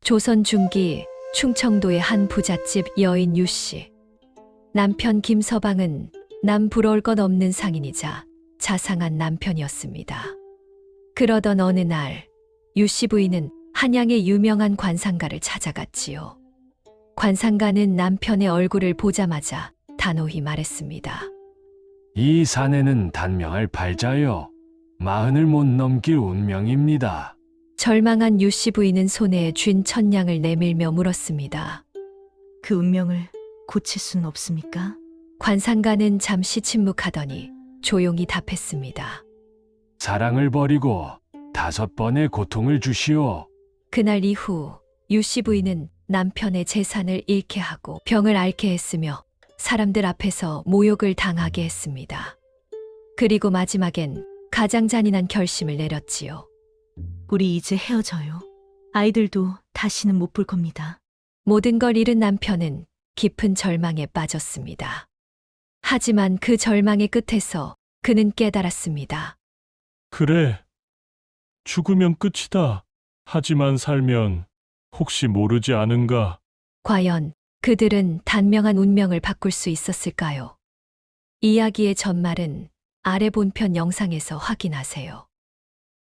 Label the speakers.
Speaker 1: 조선 중기 충청도의 한 부잣집 여인 유씨. 남편 김서방은 남 부러울 것 없는 상인이자 자상한 남편이었습니다. 그러던 어느 날 유씨 부인은 한양의 유명한 관상가를 찾아갔지요. 관상가는 남편의 얼굴을 보자마자 단호히 말했습니다.
Speaker 2: 이 사내는 단명할 팔자요. 40을 못 넘길 운명입니다.
Speaker 1: 절망한 유씨 부인은 손에 쥔 천냥을 내밀며 물었습니다.
Speaker 3: 그 운명을 고칠 수는 없습니까?
Speaker 1: 관상가는 잠시 침묵하더니 조용히 답했습니다.
Speaker 2: 사랑을 버리고 5번의 고통을 주시오.
Speaker 1: 그날 이후 유씨 부인은 남편의 재산을 잃게 하고 병을 앓게 했으며 사람들 앞에서 모욕을 당하게 했습니다. 그리고 마지막엔 가장 잔인한 결심을 내렸지요.
Speaker 3: 우리 이제 헤어져요. 아이들도 다시는 못 볼 겁니다.
Speaker 1: 모든 걸 잃은 남편은 깊은 절망에 빠졌습니다. 하지만 그 절망의 끝에서 그는 깨달았습니다.
Speaker 4: 그래. 죽으면 끝이다. 하지만 살면 혹시 모르지 않은가?
Speaker 1: 과연 그들은 단명한 운명을 바꿀 수 있었을까요? 이야기의 전말은 아래 본편 영상에서 확인하세요.